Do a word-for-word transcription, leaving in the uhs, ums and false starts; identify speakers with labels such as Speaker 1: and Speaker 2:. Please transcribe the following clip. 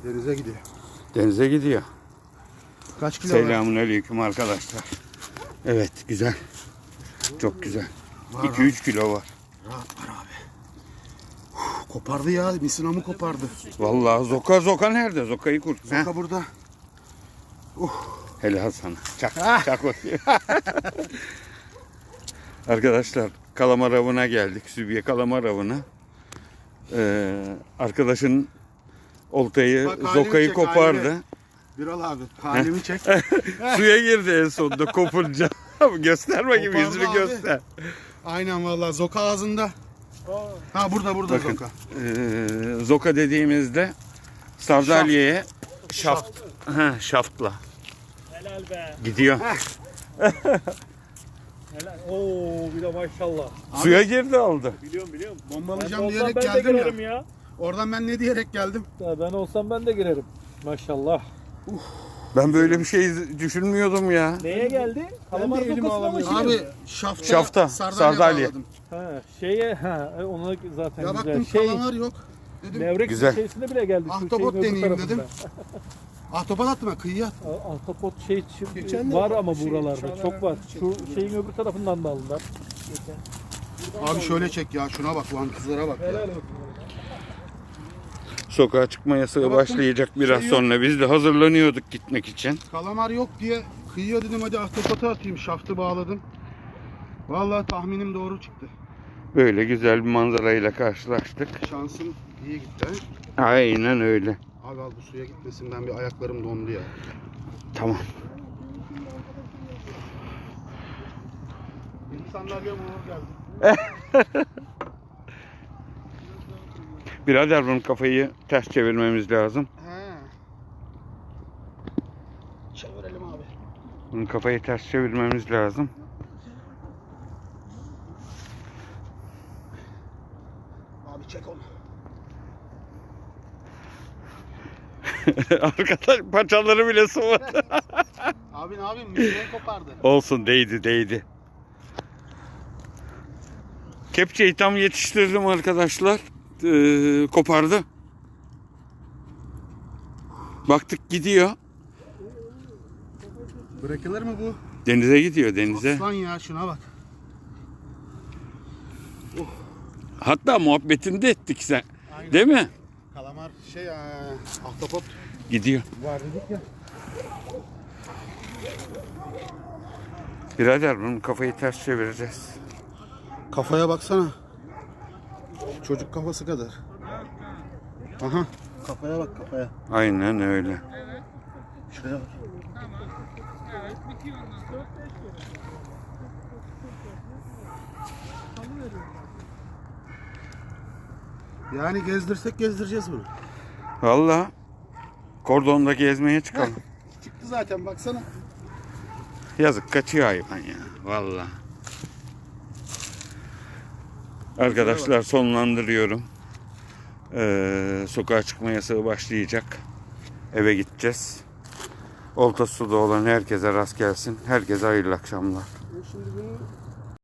Speaker 1: Denize gidiyor.
Speaker 2: Denize gidiyor.
Speaker 1: Kaç kilo var?
Speaker 2: Selamünaleyküm arkadaşlar. Evet, güzel. Çok güzel. iki üç kilo var.
Speaker 1: Rahat var abi. Uf, kopardı ya. Misinamı kopardı.
Speaker 2: Vallahi Zoka Zoka nerede? Zoka'yı kurt.
Speaker 1: Zoka
Speaker 2: Heh.
Speaker 1: burada. Uh.
Speaker 2: Helal sana. Çak. Çak bakayım. Arkadaşlar kalamar avına geldik. Sübye kalamar avına. Ee, arkadaşın oltayı
Speaker 1: Bak, halimi
Speaker 2: Zoka'yı
Speaker 1: çek,
Speaker 2: kopardı.
Speaker 1: halimi. Biral abi halimi çek.
Speaker 2: Suya girdi en sonunda kopunca. Gösterme gibi
Speaker 1: Kopardı
Speaker 2: yüzünü
Speaker 1: abi.
Speaker 2: göster.
Speaker 1: Aynen vallahi Zoka ağzında. Ha burada burada
Speaker 2: Bakın,
Speaker 1: Zoka.
Speaker 2: Ee, Zoka dediğimizde Sardalya'ya şaft, ha, şaftla
Speaker 3: Helal be.
Speaker 2: gidiyor.
Speaker 3: Helal. Oo bir de maşallah.
Speaker 2: Suya girdi aldı.
Speaker 3: Biliyorum biliyorum. Ben
Speaker 1: Bombalayacağım
Speaker 3: olsam
Speaker 1: diyerek
Speaker 3: ben de
Speaker 1: geldim
Speaker 3: girerim
Speaker 1: ya.
Speaker 3: ya.
Speaker 1: Oradan ben ne diyerek geldim?
Speaker 3: Ya ben olsam ben de girerim. Maşallah.
Speaker 2: Ben böyle bir şey düşünmüyordum ya.
Speaker 3: Neye geldi? Kalamar kokosuna mı
Speaker 1: Abi
Speaker 3: şimdi?
Speaker 1: şafta,
Speaker 2: Şafta,
Speaker 1: sardalya
Speaker 2: sardalya.
Speaker 1: bağladım.
Speaker 3: Ha şeye ha onu zaten
Speaker 1: Ya
Speaker 3: güzel.
Speaker 1: baktım
Speaker 3: Şey
Speaker 1: kalamar yok. Dedim
Speaker 3: levrek
Speaker 2: Güzel.
Speaker 3: şeysinde bile geldi. Şu
Speaker 1: ahtapot
Speaker 3: şeyin öbür
Speaker 1: deneyeyim
Speaker 3: tarafında.
Speaker 1: dedim. Ahtapot attım ha kıyıya.
Speaker 3: A- Ahtapot şey çi-
Speaker 1: Geçen de
Speaker 3: var
Speaker 1: var,
Speaker 3: ama
Speaker 1: şey,
Speaker 3: buralarda
Speaker 1: şuralara
Speaker 3: çok var. Şu
Speaker 1: çektim.
Speaker 3: şeyin öbür tarafından da aldılar.
Speaker 1: Abi şöyle çek ya şuna bak lan kızlara bak ya.
Speaker 3: Helal olsun.
Speaker 2: Sokağa çıkma yasağı
Speaker 1: Ya baktım,
Speaker 2: başlayacak biraz
Speaker 1: şey yok.
Speaker 2: sonra. Biz de hazırlanıyorduk gitmek için.
Speaker 1: Kalamar yok diye kıyıya dedim hadi ahtapota atayım şaftı bağladım. Vallahi tahminim doğru çıktı.
Speaker 2: Böyle güzel bir manzarayla karşılaştık.
Speaker 1: Şansım iyi gitti.
Speaker 2: Aynen öyle.
Speaker 1: Abi al bu suya gitmesin ben bir ayaklarım dondu ya.
Speaker 2: Tamam.
Speaker 1: Benim sandalyem uğur geldi.
Speaker 2: Birader bunun kafayı ters çevirmemiz lazım.
Speaker 1: He. Çevirelim abi.
Speaker 2: Bunun kafayı ters çevirmemiz lazım.
Speaker 1: Abi çek onu.
Speaker 2: Arkadaş paçaları bile sıvadı.
Speaker 1: Abi ne yapayım? Müziğe kopardı.
Speaker 2: Olsun, değdi değdi. Kepçeyi tam yetiştirdim arkadaşlar. Ee, kopardı. Baktık gidiyor.
Speaker 1: Bırakılır mı bu?
Speaker 2: Denize gidiyor, denize.
Speaker 1: Aslan ya şuna bak.
Speaker 2: Hatta muhabbetini de ettik sen. Değil mi?
Speaker 1: Kalamar şey ee, ahtapot
Speaker 2: Gidiyor.
Speaker 1: var dedik ya.
Speaker 2: Birader bunun kafayı ters çevireceğiz.
Speaker 1: Kafaya baksana. Çocuk kafası kadar. Aha. Kafaya bak kafaya.
Speaker 2: Aynen öyle.
Speaker 1: Şuraya bak. Yani gezdirsek gezdireceğiz bunu.
Speaker 2: Vallahi kordonda gezmeye çıkalım.
Speaker 1: Çıktı zaten baksana.
Speaker 2: Yazık, kaçıyor hayvan ya. Vallahi. Arkadaşlar sonlandırıyorum. Ee, sokağa çıkma yasağı başlayacak. Eve gideceğiz. Olta suda olan herkese rast gelsin. Herkese hayırlı akşamlar.
Speaker 1: Şimdi bunu